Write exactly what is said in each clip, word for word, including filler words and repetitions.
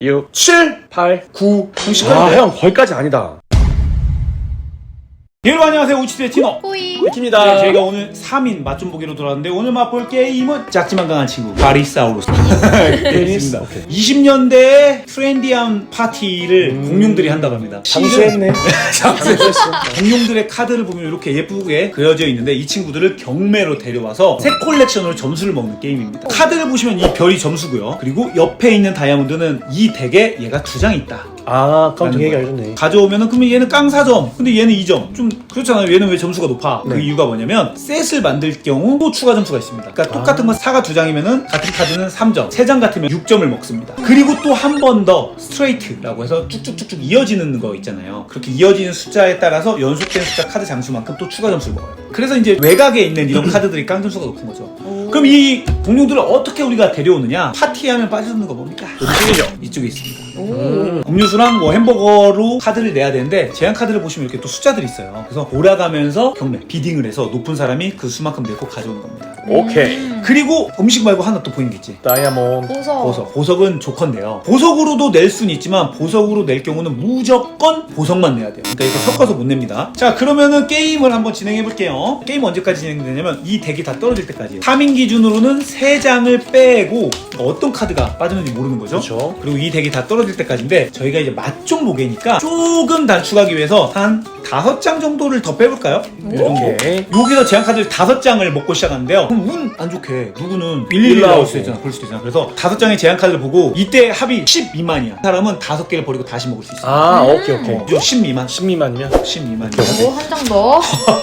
육, 칠, 팔, 구. 아, 형 거기까지 아니다. 여러분 안녕하세요. 우치스의 티노 꼬이 백입니다. 네, 저희가 오늘 삼 인 맛 좀 보기로 돌아왔는데 오늘 맛볼 게임은 작지만 강한 친구 바리사우루스. 테니스. 오케이. 이십 년대의 트렌디한 파티를 음. 공룡들이 한다고 합니다. 장수했네. 장수했어. 공룡들의 카드를 보면 이렇게 예쁘게 그려져 있는데 이 친구들을 경매로 데려와서 새 콜렉션으로 점수를 먹는 게임입니다. 카드를 보시면 이 별이 점수고요. 그리고 옆에 있는 다이아몬드는 이 덱에 얘가 두 장 있다. 아, 깜짝 라는 얘기 거예요. 해줬네. 가져오면은 그러면 얘는 깡 사 점 근데 얘는 이 점 좀 그렇잖아요. 얘는 왜 점수가 높아? 그 네. 이유가 뭐냐면 셋을 만들 경우 또 추가 점수가 있습니다. 그러니까 아. 똑같은 거 사가 두 장이면은 같은 카드는 삼 점 세 장 같으면 육 점을 먹습니다. 그리고 또 한 번 더 스트레이트라고 해서 쭉쭉쭉쭉 이어지는 거 있잖아요. 그렇게 이어지는 숫자에 따라서 연속된 숫자 카드 장수만큼 또 추가 점수를 먹어요. 그래서 이제 외곽에 있는 이런 카드들이 깡 점수가 높은 거죠. 그럼 이 공룡들을 어떻게 우리가 데려오느냐? 파티하면 빠져드는 거 뭡니까? 이쪽이죠. 이쪽에 있습니다. 음. 음료수랑 뭐 햄버거로 카드를 내야 되는데 제한 카드를 보시면 이렇게 또 숫자들이 있어요. 그래서 돌아가면서 경매, 비딩을 해서 높은 사람이 그 수만큼 내고 가져오는 겁니다. 오케이. 그리고 음식 말고 하나 또 보이는 게 있지. 다이아몬드. 보석 보석. 보석은 조건데요. 보석으로도 낼 수는 있지만 보석으로 낼 경우는 무조건 보석만 내야 돼요. 그러니까 이거 섞어서 못 냅니다. 자, 그러면은 게임을 한번 진행해 볼게요. 게임 언제까지 진행되냐면 이 덱이 다 떨어질 때까지예요. 삼 인 기준으로는 세 장을 빼고 어떤 카드가 빠졌는지 모르는 거죠. 그렇죠. 그리고 이 덱이 다 떨어질 때까지인데 저희가 이제 맛 좀 보게니까 조금 단축하기 위해서 한 다섯 장 정도를 더 빼볼까요? 이 정도. 오케이. 여기서 제한 카드를 다섯 장을 먹고 시작하는데요. 그럼 운 안 좋게 누구는 일일이 나올 수 있잖아. 그럴 수도 있잖아. 그래서 다섯 장의 제한 카드를 보고 이때 합이 십 미만이야. 사람은 다섯 개를 버리고 다시 먹을 수 있어. 아, 오케이, 오케이. 어, 십 미만. 십 미만이면? 십 미만. 오한 장 더.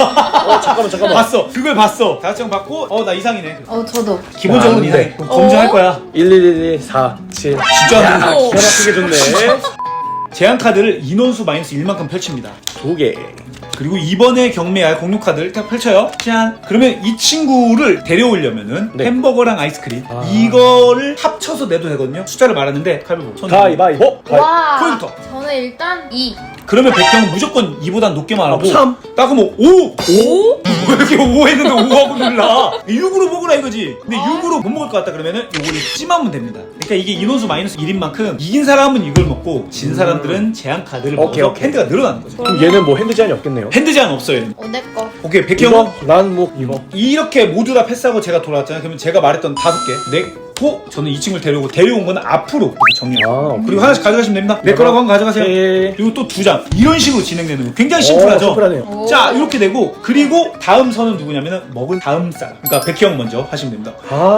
어, 잠깐만, 잠깐만. 봤어. 그걸 봤어. 다섯 장 받고 어 나 이상이네. 어 저도. 기본적으로 아, 이상해. 네. 그럼 검증할 거야. 일, 일, 일, 일, 사, 칠. 진짜 야, 안 된다. 기가 막히게 좋네. 제한 카드를 인원수 마이너스 일만큼 펼칩니다. 두 개. 그리고 이번에 경매할 공룡 카드를 딱 펼쳐요. 짠. 그러면 이 친구를 데려오려면은 네. 햄버거랑 아이스크림 아. 이거를 합쳐서 내도 되거든요. 숫자를 말하는데 가위바위보. 손 가위바위보. 가위. 와. 포인터. 저는 일단 이. 그러면 백형은 무조건 이보단 높게만 하고 아, 삼. 딱 그러면 오! 오? 왜 이렇게 오 했는데 오하고 눌라? 육으로 먹으라 이거지. 근데 아. 육으로 못 먹을 것 같다 그러면은 요거를 찜하면 됩니다. 그러니까 이게 인원수 마이너스 일인 만큼 이긴 사람은 이걸 먹고 진 사람들은 제한 카드를 오케이, 먹어서 오케이. 핸드가 늘어나는 거죠. 그럼 얘는 뭐 핸드 제한이 없겠네요. 핸드 제한 없어요. 어 내 거. 오케이, 백형은 이거? 난 뭐, 이거. 이렇게 모두 다 패스하고 제가 돌아왔잖아요. 그러면 제가 말했던 다섯 개 내고 저는 이 친구를 데려오고 데려온 거는 앞으로 이렇게 정리해요. 아, 오케이. 그리고 하나씩 가져가시면 됩니다. 내 거라고 하면 가져가세요. 오케이. 그리고 또 두 장 이런 식으로 진행되는 거 굉장히 오, 심플하죠. 심플하네요. 오. 자, 이렇게 되고 그리고 다음 선은 누구냐면은 먹은 다음 사람. 그러니까 백형 먼저 하시면 됩니다.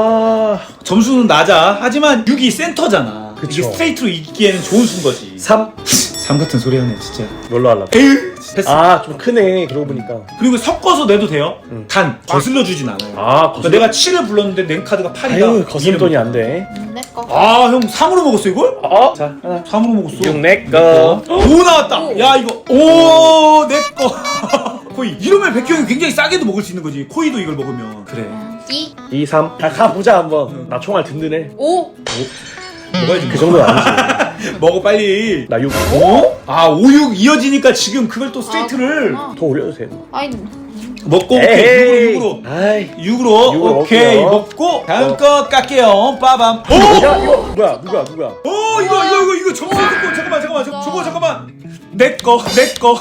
아, 점수는 낮아. 하지만 육이 센터잖아. 그쵸. 이게 스트레이트로 이기기에는 좋은 순 거지. 삼. 삼 같은 소리 하네 진짜. 뭘로 하려고? 에휴. 패스. 아, 좀 크네. 그러고 보니까. 그리고 섞어서 내도 돼요. 응. 단 거슬러 주진 않아요. 아, 그러니까 내가 칠을 불렀는데 낸 카드가 팔이다. 아유, 거슬 돈이 안 돼. 음, 내 거. 아, 형 삼으로 먹었어 이걸? 어? 자, 하나. 삼으로 먹었어. 육 내 거. 오 나왔다. 오. 야 이거 오 내 거. 코이. 이러면 백형이 굉장히 싸게도 먹을 수 있는 거지. 코이도 이걸 먹으면. 그래. 음, 이. 이, 삼. 아, 가보자, 한번. 나 총알 든든해. 오. 먹어야지. 그 정도는 아니지. 먹어 빨리. 나 육. 오? 아 오육 이어지니까 지금 그걸 또 스트레이트를 아, 더 올려도 돼. 아이. 먹고 오케이 에이. 육으로 육으로. 아이. 육으로 육으로 오케이 먹게요. 먹고 다음 어. 거 깎게요. 빠밤. 오! 야, 이거 뭐야? 누구야? 누구야? 오 이거 이거 이거 이거 점수 듣고 잠깐만 잠깐만 저, 저거 잠깐만 내거내거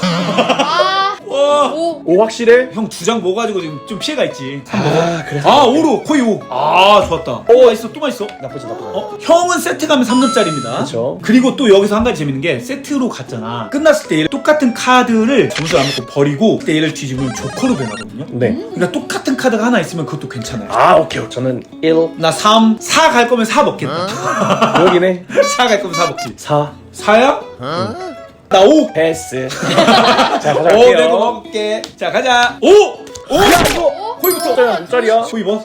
아. 와. 오. 오 확실해? 형 두 장 먹어가지고 지금 좀 피해가 있지. 아, 그래. 아 오로 코이 오. 아 좋았다. 오 맛있어 또 맛있어. 나쁘지 나쁘지. 어 형은 세트 가면 삼 점짜리입니다. 그쵸. 그리고 또 여기서 한 가지 재밌는 게 세트로 갔잖아. 끝났을 때 얘를 똑같은 카드를 점수를 안 먹고 버리고 그때 얘를 뒤집으면 조커로 변하거든요. 네. 그러니까 똑같은 카드가 하나 있으면 그것도 괜찮아요. 아, 오케이. 저는 일. 나 삼, 사 갈 거면 사 먹겠다. 여기네. 사 갈 거면 사 먹지. 사. 사야? 나 오. 패스. 자, 오, 가져갈게요. 내가 먹을게. 자, 가자. 오! 오! 야, 이거. 코이부터. 짜리야, 짜리야. 코이 뭐?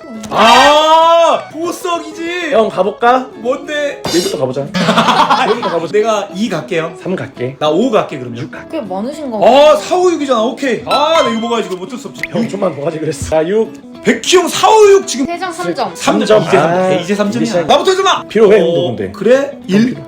아! 보석이지. 형 가볼까? 뭔데? 여기부터 가보자. 여기부터 가보자. 내가 이 갈게요. 삼 갈게. 나 오 갈게 그러면. 꽤 많으신 거. 아, 사, 오, 육이잖아. 오케이. 아, 나 이거 먹어야지. 이거 어쩔 수 없지. 형 좀만 더 가지 그랬어. 자, 육. 백희형 사, 오, 육 지금 세 장 삼 점. 삼 점. 삼 점. 이제 삼 점. 아, 이제 삼 점이야. 이제 시작. 나부터 해줘라. 필요해, 어, 형도 근데. 그래? 일. 일.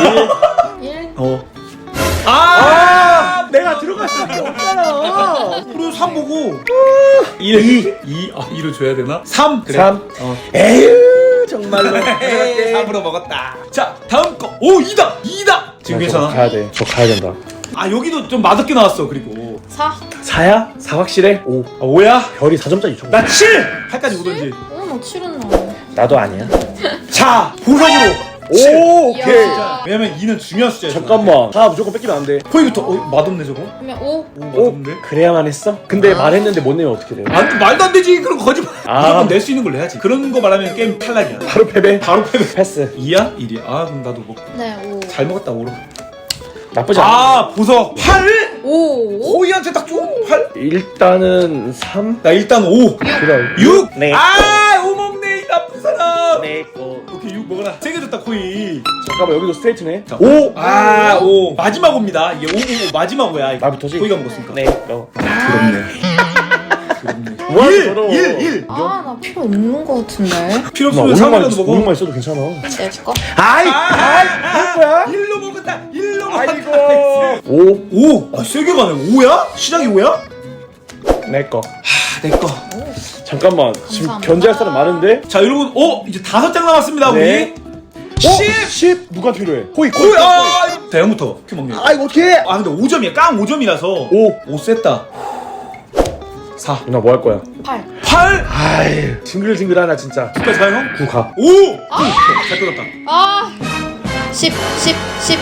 일. 어. 아, 아! 내가 들어갈 수밖에 없잖아. 그리고 삼 보고 일. 이. 이. 아, 이를 줘야 되나? 삼. 그래. 삼. 어. 에휴, 정말로. 에이, 가져갈게. 삼으로 먹었다. 자, 다음 거. 오, 이다. 이다. 지금 나 저거 괜찮아. 가야 돼. 저 가야 된다. 아, 여기도 좀 맛없게 나왔어. 그리고 사. 사야? 사 확실해? 오. 아, 오야? 별이 사 점짜리 줘. 나 칠. 팔까지 오던지. 어, 나 칠은 나와. 나도 아니야. 자, 보석으로. 오, 오케이. 이야. 왜냐면 이는 중요한 숫자야. 잠깐만. 사 무조건 뺏기면 안 돼. 포이부터. 어, 맛없네 저거. 그러면 오. 오, 오, 맛없네. 그래야만 했어? 근데 말했는데 못 내면 어떻게 돼? 안, 말도 안 되지. 그런 거 거짓말. 아. 무조건 낼 수 있는 걸 내야지. 그런 거 말하면 게임 탈락이야. 바로 패배. 바로 패배. 패스. 이야? 일이야. 아, 그럼 나도 뭐. 네, 오. 잘 먹었다, 오로. 나쁘지 않아. 아, 보석. 팔? 오. 호이한테 딱 줘? 팔? 일단은 삼. 나 일단 오. 그럼 육? 네. 아, 오 먹네, 이 나쁜 사람. 네. 어. 오케이, 육 먹어라. 세 개 줬다, 코이. 잠깐만 여기도 스트레이트네. 자, 오. 아, 오. 마지막 오입니다. 이게 오, 오, 오, 마지막 오야. 이거. 나부터지? 코이가 먹었으니까. 네. 너. 그렇네. 그렇네. 뭐야, 일, 더러워. 일, 일. 아, 나 필요 없는 거 같은데. 필요 나 없으면 오육만 삼이라도 먹어. 오육만 있어도 괜찮아. 내 거? 아이. 아이, 할 거야? 일로 먹었다. 일로 먹었다. 아이고. 오. 오, 아, 세개 가네. 오야? 시작이 오야? 내 거. 아, 내 거. 잠깐만. 지금 감사합니다. 견제할 사람 많은데? 자, 여러분, 어, 이제 다섯 장 남았습니다, 네. 우리. 십. 십. 십. 누가 필요해? 호이. 코이, 아, 이거 대형부터. 이렇게 먹네. 아 이거 어떻게? 아, 근데 오 점이야. 깡 오 점이라서. 오. 오 셌다. 사. 누나 뭐 할 거야? 팔. 팔. 아이. 징글징글하나 진짜. 끝까지 가요, 형? 구 가. 오. 잘 끊었다. 아. 십, 십, 십.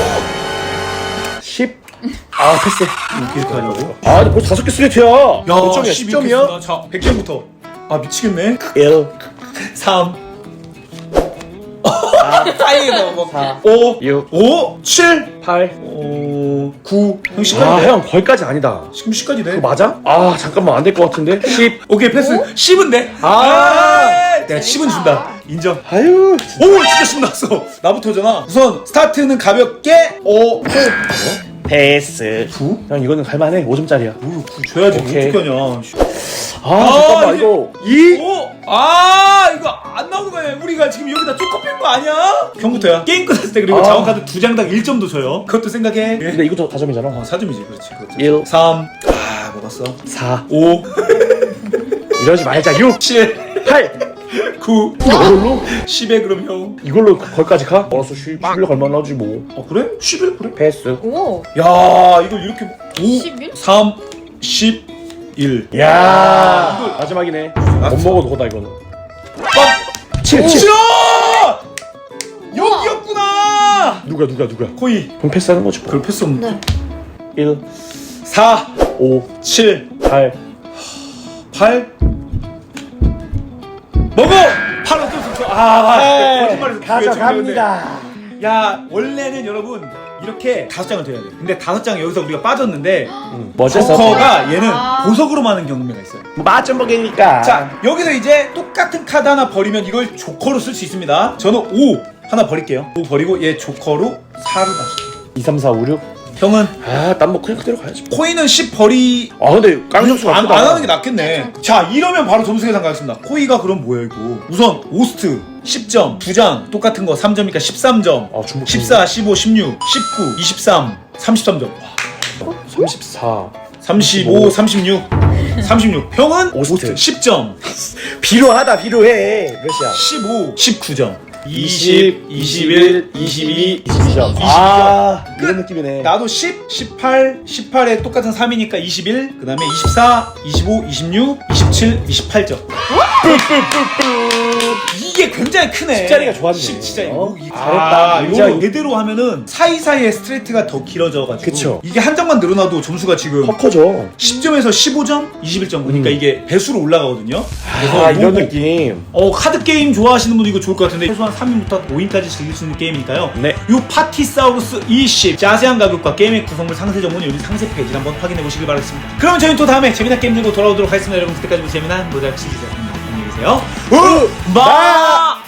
십. 아 패스. 이렇게 하려고? 아 근데 벌써 다섯 개 스트레이트야. 야, 몇 점이야? 십 점이야? 겠습니다. 자, 백 점부터. 아, 미치겠네. 일. 삼. 사이에서 뭐. 사. 오. 육. 오. 칠. 팔. 오. 구. 형 십까지 아 돼. 형 거기까지 아니다. 지금 십까지 돼. 그거 맞아? 아 잠깐만 안 될 것 같은데. 십. 오케이, 패스. 십은 돼. 아. 내가 십은 준다. 인정. 아유. 오, 진짜 십 나왔어. 나부터잖아. 우선 스타트는 가볍게 오. 패스. 구? 형 이거는 갈만해. 오 점짜리야. 오, 구 줘야지. 오케이. 어떻게 하냐. 아, 잠깐만 이게- 이거 이. 오! 아, 이거 안 나오는 거야. 우리가 지금 여기다 쪼커 뺀거 아니야? 형부터야. 게임 끝났을 때 그리고 아. 자원카드 두 장당 일 점도 줘요. 그것도 생각해. 근데 이것도 다점이잖아. 어, 사 점이지. 그렇지. 그렇지. 일. 삼. 아, 먹었어. 사. 오. 이러지 말자. 육. 칠. 팔. 구. 이걸로? 십에 그럼 형. 이걸로 거기까지 가? 알았어. 십. 십일로 갈만 하지 뭐. 어, 그래? 십일? 그래? 패스. 오. 야, 이거 이렇게. 오. 십일? 삼. 십. 일. 야. 이거- 마지막이네. 못 먹어도 거다 이거는. 빵! 칠. 칠. 싫어! 여기였구나! 누가 누가 누가? 코이. 그럼 패스하는 거지 뭐. 그걸 패스 없네. 네. 일. 사. 오. 칠. 팔. 팔. 먹어! 팔 어쩔 수 없어. 아, 거짓말해서 가져갑니다. 야, 원래는 여러분 이렇게 다섯 장을 드려야 돼. 근데 다섯 장 여기서 우리가 빠졌는데 음, 뭐 어쩔 수 없어. 조커가 얘는 아. 보석으로 많은 경우가 있어요. 맛좀 먹이니까. 자, 여기서 이제 똑같은 카드 하나 버리면 이걸 조커로 쓸 수 있습니다. 저는 오 하나 버릴게요. 오 버리고 얘 조커로 사를 마실게요. 이, 삼, 사, 오, 육. 형은 아, 난 뭐 그냥 그대로 가야지. 코인은 십 버리 아, 근데 깡점수가 안, 크다. 안 하는 게 낫겠네. 자, 이러면 바로 점수 계산 가겠습니다. 코이가 그럼 뭐야 이거? 우선 오스트 십 점, 두 장 똑같은 거 삼 점이니까 십삼 점. 아, 중복. 십사, 십오, 십육, 십구, 이십삼, 삼십삼 점. 와, 삼십사. 삼십오, 삼십육, 삼십육. 형은 오스트. 오스트 십 점, 필요하다, 필요해. 몇이야? 십오, 십구 점, 이십, 이십, 이십일, 이십이, 이십이 점. 아, 이런 느낌이네. 나도 십, 십팔, 십팔에 똑같은 삼이니까 이십일, 그 다음에 이십사, 이십오, 이십육, 이십칠, 이십팔 점. 이게 굉장히 크네. 십자리가 좋았네. 십 진짜. 어? 이- 잘했다. 아, 굉장히. 요거 이대로 하면은 사이사이에 스트레이트가 더 길어져가지고. 그쵸. 이게 한 장만 늘어나도 점수가 지금 커 커져. 십 점에서 십오 점, 이십일 점. 그러니까 음. 이게 배수로 올라가거든요. 그래서 아, 이런 뭐- 느낌. 어, 카드 게임 좋아하시는 분도 이거 좋을 것 같은데 최소한 삼 인부터 오 인까지 즐길 수 있는 게임이니까요. 네. 요 파티사우루스 이십 자세한 가격과 게임의 구성물 상세 정보는 여기 상세 페이지를 한번 확인해 보시길 바라겠습니다. 그럼 저희는 또 다음에 재미난 게임 들고 돌아오도록 하겠습니다. 여러분 그때까지 뭐 재미난 모자이크 시리즈 안녕히 계세요. 우! 마!